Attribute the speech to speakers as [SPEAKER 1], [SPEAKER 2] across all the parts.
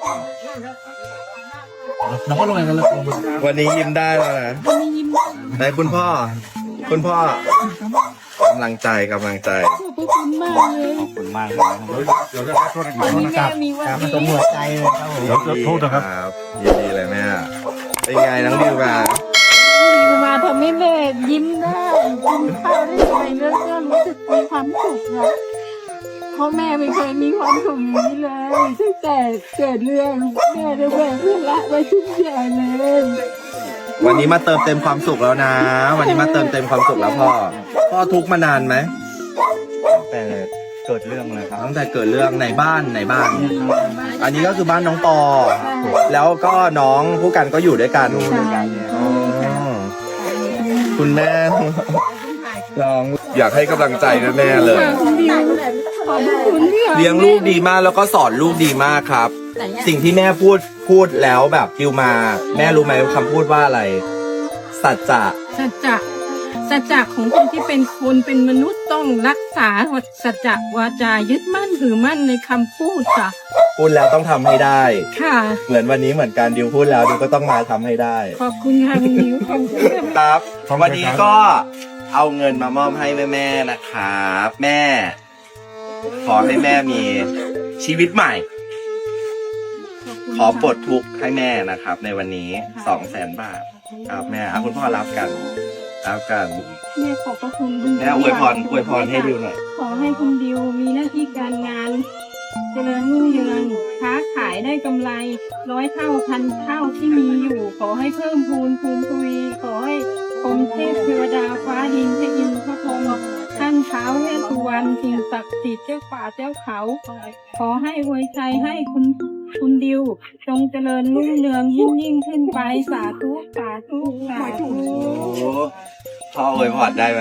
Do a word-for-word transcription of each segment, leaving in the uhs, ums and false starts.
[SPEAKER 1] น้องก็ลงกันเลยวันนี้ยิ้มได้แล้วนะไหนคุณพ่อ คุณพ่อกำลังใจกำลังใจ
[SPEAKER 2] ขอบคุณมากเลย
[SPEAKER 3] ขอบคุณมากเลยนะครับเดี๋ยวจะโทษนะครับ
[SPEAKER 2] มีวัน
[SPEAKER 3] ครับ
[SPEAKER 2] นี้
[SPEAKER 3] ตรงหัวใจเลยครับผมเดี๋ยวโทษนะครับ
[SPEAKER 1] ยินดีเลยแม่เป็นไงน้องดิวมา
[SPEAKER 2] มาทำให้แม่ยิ้มได้กินข้าวได้ไปแล้วก็รู้สึกมีความสุขนะเพราะแม่ไม่เคยมีความสุขอย่างนี้เลยตั้งแต่เกิดเรื่องแม่ได้แบกภาระไว้ทุกอย่างเลย
[SPEAKER 1] วันนี้มาเติมเต็มความสุขแล้วนะ วันนี้มาเติมเต็มความสุขแล้วพ่อพ่อทุกข์มานานไหม
[SPEAKER 3] แต่เกิดเรื่องเลยครับ
[SPEAKER 1] ตั้งแต่เกิดเรื่องในบ้านในบ้าน อันนี้ก็คือบ้านน้องปอ แล้วก็น้องผู้กันก็อยู่ด้วยกันอ๋อคุณแม่น้องอยากให้กำลังใจแม่ๆเลย
[SPEAKER 2] ขอบคุณที่
[SPEAKER 1] เลี้ยงลูกดีมากแล้วก็สอนลูกดีมากครับ สิ่งที่แม่พูดพูดแล้วแบบดิวมา แม่รู้ไหมคำพูดว่าอะไร สัจจะ
[SPEAKER 2] สัจจะสัจจะของคนที่เป็นคนเป็นมนุษย์ต้องรักษาสัจจะวาจายึดมั่นถือมั่นในคำพูดจ้ะ
[SPEAKER 1] พูดแล้วต้องทำให้ได้
[SPEAKER 2] ค่ะ
[SPEAKER 1] เหมือนวันนี้เหมือนกันดิวพูดแล้วดิวก็ต้องมาทำให้ได้
[SPEAKER 2] ขอบคุณค่ะคุณนิวขอบคุณค่ะ
[SPEAKER 1] ครับวันนี้ก็เอาเงินมามอบให้แม่ๆนะครับแม่ ขอให้แม่มีชีวิตใหม่ ขอปลดทุกข์ให้แม่นะครับ ในวันนี้สองแสนบาทครับแม่เอาคุณพ่อรับกันรับกัน
[SPEAKER 2] แม่ขอบพระคุณคุณ
[SPEAKER 1] แม่อวยพรอวยพรให้ดิวหน่อย
[SPEAKER 2] ขอให้คุณดิวมีหน้าที่การงานเจริญรุ่งเรืองค้าขายได้กำไรร้อยเท่าพันเท่าที่มีอยู่ ขอให้เพิ่มพูนภูมิทวีขอให้พรหมเทพเทวดาฟ้าดินเทอินทร์พระพรหมท่านเท้าเวสสุวรรณสิ่งศักดิ์สิทธิ์เจ้าป่าเจ้าเขา ขอให้อวยชัยให้คุณคุณดิวจงเจริญรุ่งเรืองยิ่งยิ่งขึ้นไปสาธุสาธุสาธุ
[SPEAKER 1] โอ้พ่ออวยพรได้ไหม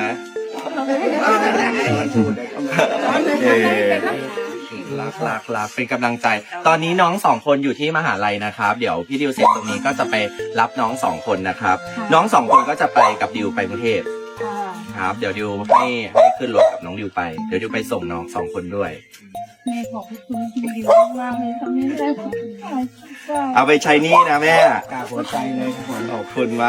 [SPEAKER 1] เออรักรักรักเป็นกำลังใจ ตอนนี้น้องสองคนอยู่ที่มหาลัยนะครับ เดี๋ยวพี่ดิวเสร็จตรงนี้ก็จะไปรับน้องสองคนนะครับ น้องสองคนก็จะไปกับดิวไปกรุงเทพครับ เดี๋ยวดิวให้ให้ขึ้นรถกับน้องดิวไป เดี๋ยวดิวไปส่งน้องสองคนด้วย
[SPEAKER 2] แม่ขอบคุณคุณดิวมากเลยทำให้ได้ของขาย
[SPEAKER 1] เอาไปใช้หนี่นะแม่
[SPEAKER 3] กราบหัวใจเลยครับผม
[SPEAKER 1] ขอบคุณมาก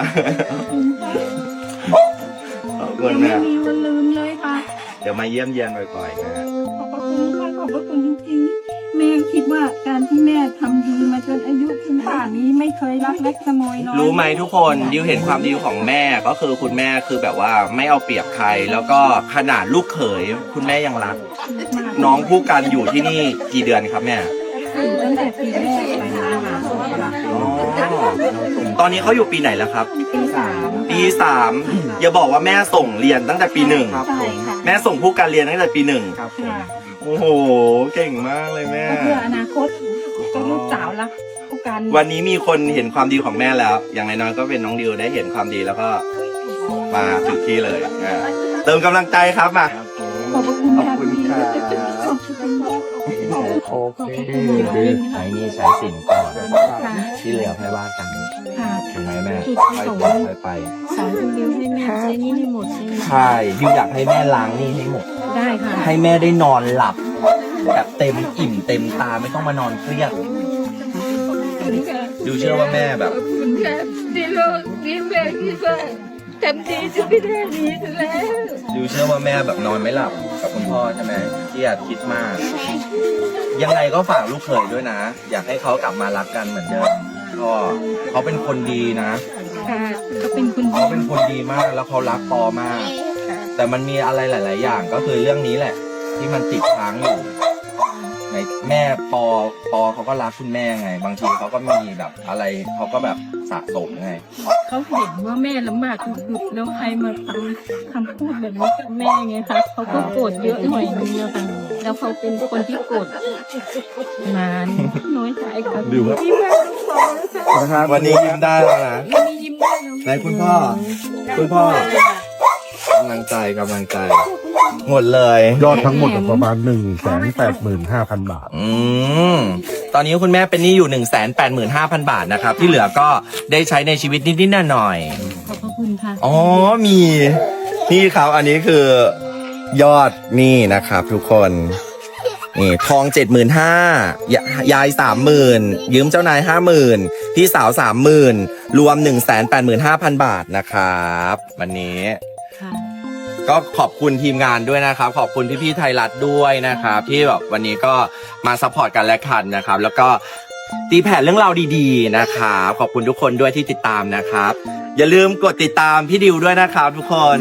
[SPEAKER 1] ขอบคุ
[SPEAKER 2] ยั
[SPEAKER 1] ณ
[SPEAKER 2] งไม่
[SPEAKER 1] แม่
[SPEAKER 2] มีวันลืมเลยค่ะ
[SPEAKER 1] เดี๋ยวมาเยี่ยมเยียนบ่อยๆนะ
[SPEAKER 2] ขอบพระคุณค่ะขอบพระคุณจริงๆแม่คิดว่าการที่แม่ทำดีมาจนอายุถึงป่านนี้ไม่เคยรักเล็กขโมยน้อย
[SPEAKER 1] รู้ไหมทุกคนดิวเห็นความดีของแม่ก็คือคุณแม่คือแบบว่าไม่เอาเปรียบใคร แล้วก็ขนาดลูกเขยคุณแม่ยังรัก น้องผู้กันอยู่ที่นี่กี่เดือนครับแม่
[SPEAKER 2] ตั้งแต่ปีแรกไปนะคะ
[SPEAKER 1] อ๋อตอนนี้เขาอยู่ปีไหนแล้วครับ
[SPEAKER 2] ปีสาม
[SPEAKER 1] ปีสามอย่าบอกว่าแม่ส่งเรียนตั้งแต่ปีหนึ่ง
[SPEAKER 3] ครับผม
[SPEAKER 1] แม่ส่งผู้กันเรียนตั้งแต่ปีหนึ่ง
[SPEAKER 3] ครับผม
[SPEAKER 2] ค่ะ
[SPEAKER 1] โอ้โหเก่งมากเลยแม่
[SPEAKER 2] ก็เพื่ออนาคตก็ลูกสาวรักผู้กัน
[SPEAKER 1] วันนี้มีคนเห็นความดีของแม่แล้ว อย่างน้อยๆก็เป็นน้องดิวได้เห็นความดีแล้วก็มาถึงที่เลยอ่าเติมกำลังใจครับมา
[SPEAKER 3] ครับผม
[SPEAKER 2] ขอบพระคุณ
[SPEAKER 1] ขอบคุณค่ะ
[SPEAKER 2] ขอบคุณค่ะ
[SPEAKER 3] โอเค
[SPEAKER 4] ใช้หนี่ใช้สินก่อน
[SPEAKER 2] ค่ะ
[SPEAKER 4] ที่เหลือค่อยว่ากัน
[SPEAKER 2] ค่ะ
[SPEAKER 4] ถูกไหมแม่
[SPEAKER 2] จุด
[SPEAKER 4] ค่อย
[SPEAKER 2] ของ
[SPEAKER 4] เป็นค่อยไป
[SPEAKER 2] สอนคุณดิวให้แม่ใช้หนี่ให้หมดใช่ไหม
[SPEAKER 4] ใช่ดิวอยากให้แม่ล้างหนี่ให้หมด
[SPEAKER 2] ได้ค่ะ
[SPEAKER 4] ให้แม่ได้นอนหลับ แบบเต็มอิ่มเต็มตาไม่ต้องมานอนเครียดดิวเชื่อว่าแม่แบบ
[SPEAKER 2] ขอบคุณค่ะที่โลกนี้แม่คิดว่าทำดีจะไม่ได้ดีแล้ว
[SPEAKER 4] ดิวเชื่อว่าแม่แบบนอนไม่หลับกับคุณพ่อใช่ไหมเครียดคิดมาก ยังไงก็ฝากลูกเขยด้วยนะ อยากให้เขากลับมารักกันเหมือนเดิมก็เขาเป็นคนดีนะ
[SPEAKER 2] ค่ะก็เป็นคุณ
[SPEAKER 4] เขาเป็นคนดีมากแล้วเขารักปอมาก แต่มันมีอะไรหลาย ๆ อย่างก็คือเรื่องนี้แหละ ที่มันติดค้างอยู่ในแม่ปอปอเขาก็รักคุณแม่ไง บางทีเขาก็มีแบบอะไรเขาก็แบบสะสมไง
[SPEAKER 2] เขาเห็นว่าแม่ลำบากสุดๆแล้วใครมาทำคำพูดแบบนี้กับแม่ไงคะเขาก็โกรธเยอะหน่อยนึงแล้วกันแล้วเขาเป็นคนที่โกรธนานน้อยใจค่ะที่แม่ต้องขอนะคะ
[SPEAKER 1] วันนี้ยิ้มได้แล้วนะ
[SPEAKER 2] วันนี้ยิ้มได้แล้ว
[SPEAKER 1] ไหนคุณพ่อ คุณพ่อกำลังใจกำลังใจ หมดเลย
[SPEAKER 5] ยอดทั้งหมดประมาณหนึ่งแสนแปดหมื่นห้าพันบาท
[SPEAKER 1] อืมตอนนี้คุณแม่เป็นหนี้อยู่ หนึ่งแสนแปดหมื่นห้าพัน บาทนะครับ ที่เหลือก็ได้ใช้ในชีวิตนิดๆหน่อยๆ
[SPEAKER 2] ขอบพระคุณค่ะ
[SPEAKER 1] อ๋อ มี นี่ครับ อันนี้คือยอดหนี่นะครับทุกคนนี่ทองเจ็ดหมื่นห้ายายสามหมื่นยืมเจ้านายห้าหมื่นพี่สาวสามหมื่นรวมหนึ่งแสนแปดหมื่นห้าพันบาทนะครับวันนี้
[SPEAKER 2] ค่ะ
[SPEAKER 1] ก็ขอบคุณทีมงานด้วยนะครับ ขอบคุณพี่ๆไทยรัฐด้วยนะครับ ที่แบบวันนี้ก็มาซัพพอร์ตกันและกันนะครับ แล้วก็ตีแผ่เรื่องราวดีๆนะครับขอบคุณทุกคนด้วยที่ติดตามนะครับ อย่าลืมกดติดตามพี่ดิวด้วยนะครับทุกคน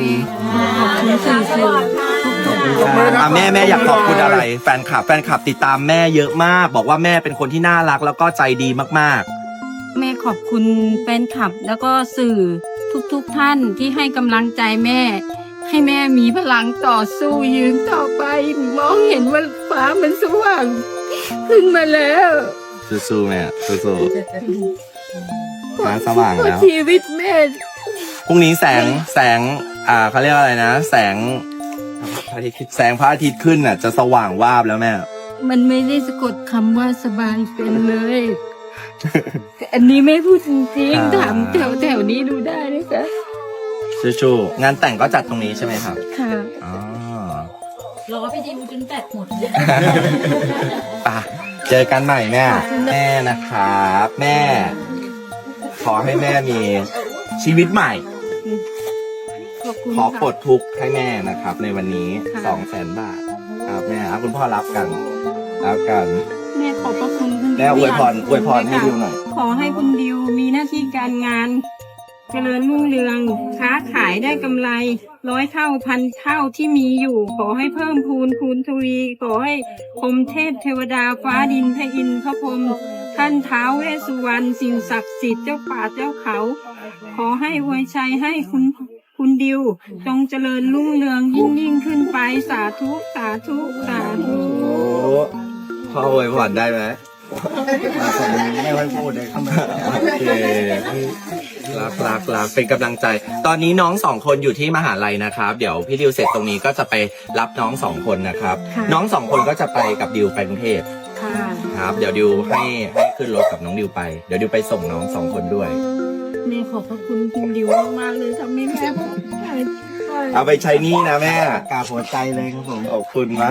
[SPEAKER 1] อ่ะแม่แม่อยากขอบคุณอะไร แฟนคลับแฟนคลับติดตามแม่เยอะมาก บอกว่าแม่เป็นคนที่น่ารักแล้วก็ใจดีมากๆ
[SPEAKER 2] แม่ขอบคุณแฟนคลับแล้วก็สื่อทุกๆท่านที่ให้กำลังใจแม่ ให้แม่มีพลังต่อสู้ยืนต่อไป มองเห็นว่าฟ้ามันสว่างขึ้นมาแล้ว
[SPEAKER 1] สู้ๆแม่สู้ๆฟ้าสว่างแล้ว
[SPEAKER 2] ชีวิตแม่
[SPEAKER 1] พรุ่งนี้แสงแสงอ่าเขาเรียกว่าอะไรนะ แสงพระอาทิตย์แสงพระอาทิตย์ขึ้นน่ะจะสว่างวาบแล้วแม่
[SPEAKER 2] มันไม่ได้สะกดคำว่าสบายเป็นเลย อันนี้ไม่พูดจริงๆถามแถวแถวๆนี้ดูได้นะคะ
[SPEAKER 1] ชูๆงานแต่งก็จัดตรงนี้ใช่ไหมครับ
[SPEAKER 2] ค่ะ
[SPEAKER 1] อ๋อ
[SPEAKER 6] รอพี่ดิวจนแบตหมด
[SPEAKER 1] ไปเจอกันใหม่แม่ แม่นะครับ แม่ ขอให้แม่มีชีวิตใหม่
[SPEAKER 2] ขอบคุณ
[SPEAKER 1] ขอปล
[SPEAKER 2] ค่ะ
[SPEAKER 1] ดทุกข์ให้แม่นะครับ ในวันนี้
[SPEAKER 2] ค่ะ
[SPEAKER 1] สองแสนบาทครับแม่ครับคุณพ่อรับกันรับกัน
[SPEAKER 2] แม่ขอบพระคุณคุณ
[SPEAKER 1] แม่อวยพรอวยพรให้ดิวหน่อย
[SPEAKER 2] ขอให้คุณดิวมีหน้าที่การงานเจริญรุ่งเรืองค้าขายได้กำไรร้อยเท่าพันเท่าที่มีอยู่ ขอให้เพิ่มพูนคูณทวี ขอให้พรหมเทพเทวดาฟ้าดินพระอินทร์พระพรหมท่านท้าวเวสสุวรรณสิ่งศักดิ์สิทธิ์เจ้าป่าเจ้าเขา ขอให้อวยชัยให้คุณคุณดิวจงเจริญรุ่งเรืองยิ่งยิ่งขึ้นไปสาธุสาธุสาธุ
[SPEAKER 1] พ่ออวยพรได้ไหม
[SPEAKER 3] ไม่ค่อยพูดเลยครับ
[SPEAKER 1] โอเครักรักรักเป็นกำลังใจ ตอนนี้น้องสองคนอยู่ที่มหาลัยนะครับ เดี๋ยวพี่ดิวเสร็จตรงนี้ก็จะไปรับน้องสองคนนะครับ น้องสองคนก็จะไปกับดิวไปกรุงเทพ
[SPEAKER 2] ค่ะ
[SPEAKER 1] ครับ เดี๋ยวดิวให้ให้ขึ้นรถกับน้องดิวไป เดี๋ยวดิวไปส่งน้องสองคนด้วย
[SPEAKER 2] แม่ขอบพระคุณคุณดิวมากๆเลยทำให้แม่
[SPEAKER 1] เอาไปใช้หนี่นะแม่
[SPEAKER 3] กราบหัวใจเลยครับผม
[SPEAKER 1] ขอบคุณมาก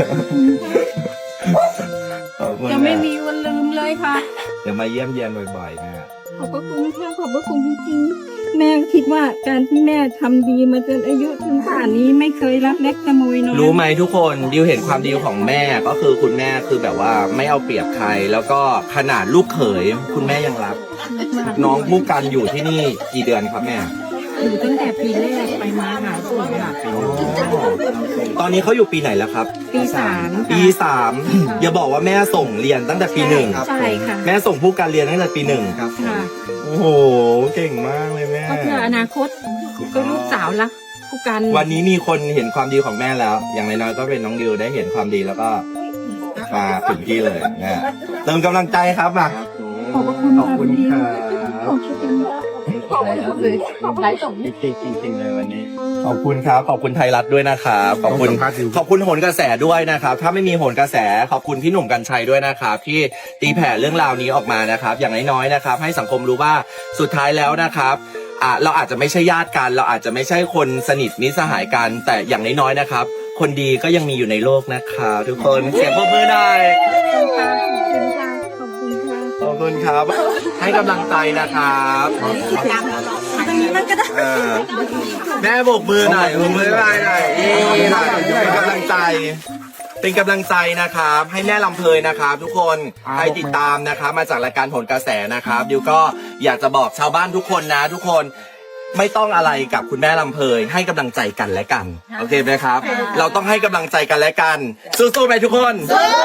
[SPEAKER 1] ขอบคุณ
[SPEAKER 2] จะไม่มีวันลืมเลยค่ะ
[SPEAKER 1] เดี๋ยวมาเยี่ยมเยียนบ่อยๆแม่
[SPEAKER 2] ขอบพระคุณค่ะขอบพระคุณจริงๆแม่คิดว่าการที่แม่ทำดีมาจนอายุถึงป่านนี้ไม่เคยรับเล็กขโมยน้อย
[SPEAKER 1] รู้ไหมทุกคนดิวเห็นความดีของแม่ก็คือคุณแม่คือแบบว่าไม่เอาเปรียบใคร แล้วก็ขนาดลูกเขยคุณแม่ยังรับ น้องผู้กันอยู่ที่นี่กี่เดือนครับแม่
[SPEAKER 2] อยู่ตั้งแต่ปีแรกไปมาหาสู่ค่ะ
[SPEAKER 1] ตอนนี้เขาอยู่ปีไหนแล้วครับ
[SPEAKER 2] ปีสาม
[SPEAKER 1] ปีสามอย่าบอกว่าแม่ส่งเรียนตั้งแต่ปีหนึ่ง
[SPEAKER 2] ใช่ค่ะ
[SPEAKER 1] แม่ส่งผู้กันเรียนตั้งแต่ปีหนึ่ง
[SPEAKER 3] ครับ
[SPEAKER 2] ค่ะ
[SPEAKER 1] โอ้โหเก่งมากเลยแม่
[SPEAKER 2] ก็เพื่ออนาคตก็ลูกสาวรักผู้กัน
[SPEAKER 1] วันนี้มีคนเห็นความดีของแม่แล้ว อย่างน้อยๆก็เป็นน้องดิวได้เห็นความดีแล้วก็มาถึงที่เลยนะเติมกำลังใจครับมา
[SPEAKER 2] ขอบพระคุณ
[SPEAKER 3] ขอบคุณค่ะ
[SPEAKER 2] ขอบคุณขอบคุณเลยไลฟ์ส่ง
[SPEAKER 3] จริงๆจริงๆเลยวันนี้
[SPEAKER 1] ขอบคุณครับ ขอบคุณไทยรัฐด้วยนะครับขอบคุณ
[SPEAKER 5] ขอบคุณครับดิว
[SPEAKER 1] ขอบคุณโหนกระแสด้วยนะครับ ถ้าไม่มีโหนกระแสขอบคุณพี่หนุ่มกัญชัยด้วยนะครับ ที่ตีแผ่เรื่องราวนี้ออกมานะครับ อย่างน้อยๆนะครับ ให้สังคมรู้ว่าสุดท้ายแล้วนะครับอ่ะเราอาจจะไม่ใช่ญาติกัน เราอาจจะไม่ใช่คนสนิทมิตรสหายกัน แต่อย่างน้อยๆนะครับ คนดีก็ยังมีอยู่ในโลกนะครับทุกคนเสียงปรบมือหน่อย
[SPEAKER 2] ขอบคุณค่ะขอบคุณค่ะ
[SPEAKER 1] ขอบคุณครับ ให้กำลังใจนะครับเออแม่โบกมือหน่อยโบกมือหน่อยหน่อยนี่หน่อยเป็นกำลังใจ เป็นกำลังใจนะครับ ให้แม่ลำเพยนะครับ ทุกคนให้ติดตามนะครับ มาจากรายการโหนกระแสนะครับดิวก็อยากจะบอกชาวบ้านทุกคนนะ ทุกคนไม่ต้องอะไรกับคุณแม่ลำเพยให้กำลังใจกันและกันโอเคไหมครับ เราต้องให้กำลังใจกันและกันสู้ๆไหมทุกคน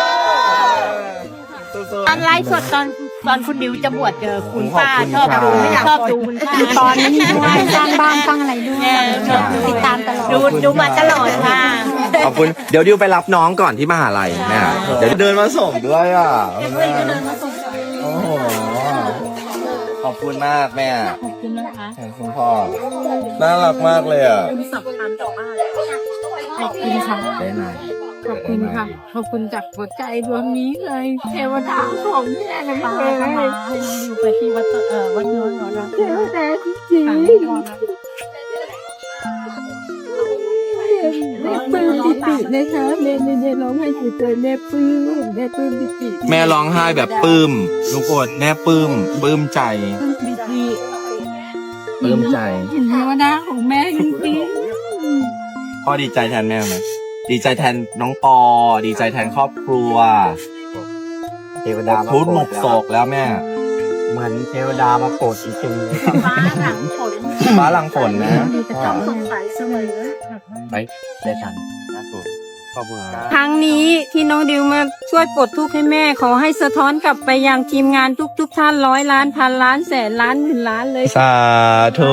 [SPEAKER 1] สู้ๆ
[SPEAKER 6] ตอนไลฟ์สดตอนตอนคุณดิวจะบวชเจอคุณป้าชอบดูชอบดูคุณป้าตอนนี้ด้วยสร้างบ้านสร้างอะไรด้วยชอบติดตามตลอดดูดูมาตลอดค่ะ
[SPEAKER 1] ขอบคุณเดี๋ยวดิวไปรับน้องก่อนที่มหาลัยแม่เดี๋ยวเดินมาส่งด้วยอ่ะโอ้โหขอบคุณมากแม่
[SPEAKER 2] ขอบคุณนะคะ
[SPEAKER 1] คุณพ่อน่ารักมากเลยอ่ะ
[SPEAKER 2] สำคัญต่อบ้านขอบคุณค่ะ
[SPEAKER 1] ได้ไหม
[SPEAKER 2] ขอบคุณค่ะ ขอบคุณจากหัวใจดวงนี้เลย เทวดาของแม่เลย
[SPEAKER 6] ป้า
[SPEAKER 2] เลย
[SPEAKER 6] มาให้อยู่ไปที่วัดเอ่อวัดโน้นหนอรัก
[SPEAKER 2] เทวดาจริงๆปลื้มปิตินะคะแม่ไม่ได้ร้องไห้เฉยๆแม่ปลื้มแม่ปลื้มปิติ
[SPEAKER 4] แม่ร้องไห้แบบปลื้มทุกคนแม่ปลื้มปลื้มใจ
[SPEAKER 2] ปลื้มปิติ
[SPEAKER 4] ปลื้มใจ
[SPEAKER 2] เห็นเทวดาของแม่จริง
[SPEAKER 4] พ่อดีใจแทนแม่ไหมดีใจแทนน้องปอ ดีใจแทนครอบครัว
[SPEAKER 3] เทวดามา
[SPEAKER 4] ทุกหมก
[SPEAKER 3] โปรด
[SPEAKER 4] โศกแล้วแม่
[SPEAKER 3] เหมือนเทวดามาโปรดจริงๆเลยครับ
[SPEAKER 6] ฟ้าหลังฝน
[SPEAKER 4] ฟ้าหลังฝนนะ
[SPEAKER 6] จะต้องสดใสเสมอ
[SPEAKER 3] ไปได้ทันนะครูขอบคุณครับ
[SPEAKER 2] ๆครั้งนี้ที่น้องดิวมาช่วยปลดทุกข์ให้แม่ขอให้สะท้อนกลับไปยังทีมงานทุกๆท่านร้อยล้านพันล้านแสนล้านหมื่นล้านเลย
[SPEAKER 4] สาธุ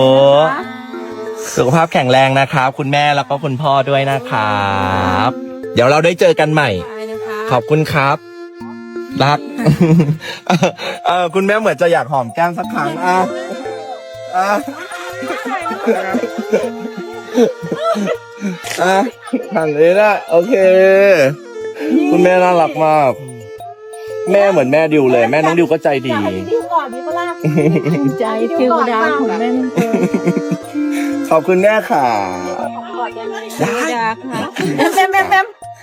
[SPEAKER 4] สุขภาพแข็งแรงนะครับ คุณแม่แล้วก็คุณพ่อด้วยนะครับ เดี๋ยวเราได้เจอกันใหม่ ขอบคุณครับ รัก เออคุณแม่เหมือนจะอยากหอมแก้มสักครั้งอ่ะอ่ะอ่ะหันเลยนะโอเค คุณแม่น่ารักมาก แม่เหมือนแม่ดิวเลย แม่น้องดิวก็ใจดี
[SPEAKER 6] ดิวก่อนดิวก็ลาก
[SPEAKER 2] ใจเทวดาของแม่นั่นเอง
[SPEAKER 4] ขอบคุณแม่ค่ะ
[SPEAKER 2] เทวดาค่ะ
[SPEAKER 6] แม่แม่แม่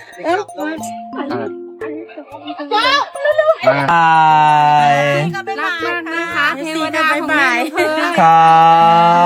[SPEAKER 4] บาย
[SPEAKER 6] ก็ไป
[SPEAKER 2] รักมากนะคะเทวดาของแม่
[SPEAKER 4] ครับ